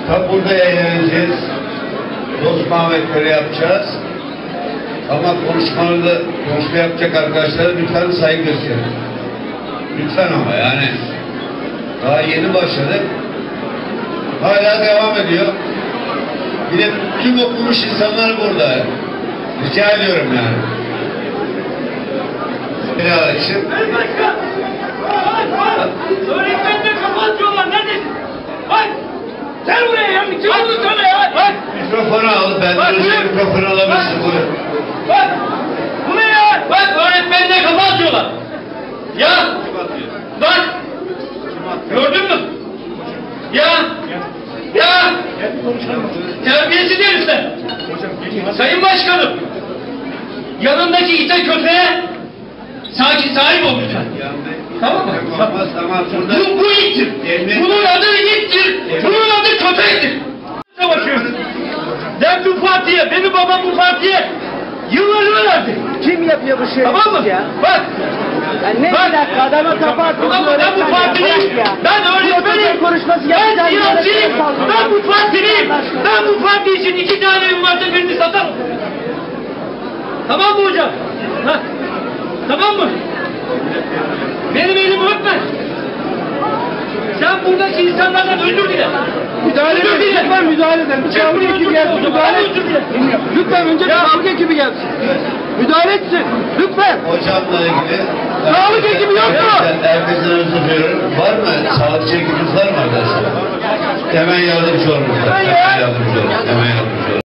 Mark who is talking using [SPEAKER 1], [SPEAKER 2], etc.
[SPEAKER 1] Tabi burada eğleneceğiz. Dost muhabbetleri yapacağız. Ama konuşma yapacak arkadaşlara lütfen saygı gösterin. Lütfen ama yani. Daha yeni başladık. Hala devam ediyor. Bir de tüm okumuş insanlar burada. Rica ediyorum yani. Bir arkadaşım.
[SPEAKER 2] Öğretmenle kapatıyorlar. Neredesin? Bak! Gel buraya ya! Kim oldu sana ya? Bak!
[SPEAKER 1] Mikrofonu al. Ben de mikrofonu alabilirsin.
[SPEAKER 2] Bak! Bu ne ya? Bak öğretmenle kapatıyorlar. Ya! Bak! Gördün mü? Ya! Ya! Terbiyesiz herifler! Sayın Başkanım! Yanındaki ite köpeğe sahip ol lütfen. Tamam mı? Bu ittir. Bunun adı ittir. Bunun adı köpektir. Savaşıyoruz. Ben bu partiye, benim babam bu partiye yıllarını verdi.
[SPEAKER 3] Kim yapıyor bu şeyi?
[SPEAKER 2] Tamam mı?
[SPEAKER 3] Ya?
[SPEAKER 2] Bak.
[SPEAKER 3] Yani ne
[SPEAKER 2] bak.
[SPEAKER 3] bir dakika adama kapattın.
[SPEAKER 2] Ben bu partiliyim. Ben öğretmenim. Ben siyasiyim. Ben bu partiliyim. Ben bu parti için 2 tane evim varsa birini satarım. Tamam mı hocam? Ha? Tamam mı? Benim elimi öpme. Sen buradaki insanlardan özür dile.
[SPEAKER 3] Müdahale edin. Lütfen müdahale edin. Bir sağlık ekibi gelsin. Müdahale etsin. Lütfen önce bir sağlık ekibi gelsin. Müdahale etsin. Lütfen.
[SPEAKER 1] Hocamla ilgili.
[SPEAKER 3] Sağlık ekibi yok mu?
[SPEAKER 1] Herkesten özür diliyorum. Var mı? Sağlıkçı ekibimiz var mı arkadaşlar? Hemen yardımcı olun. Hemen yardımcı olun.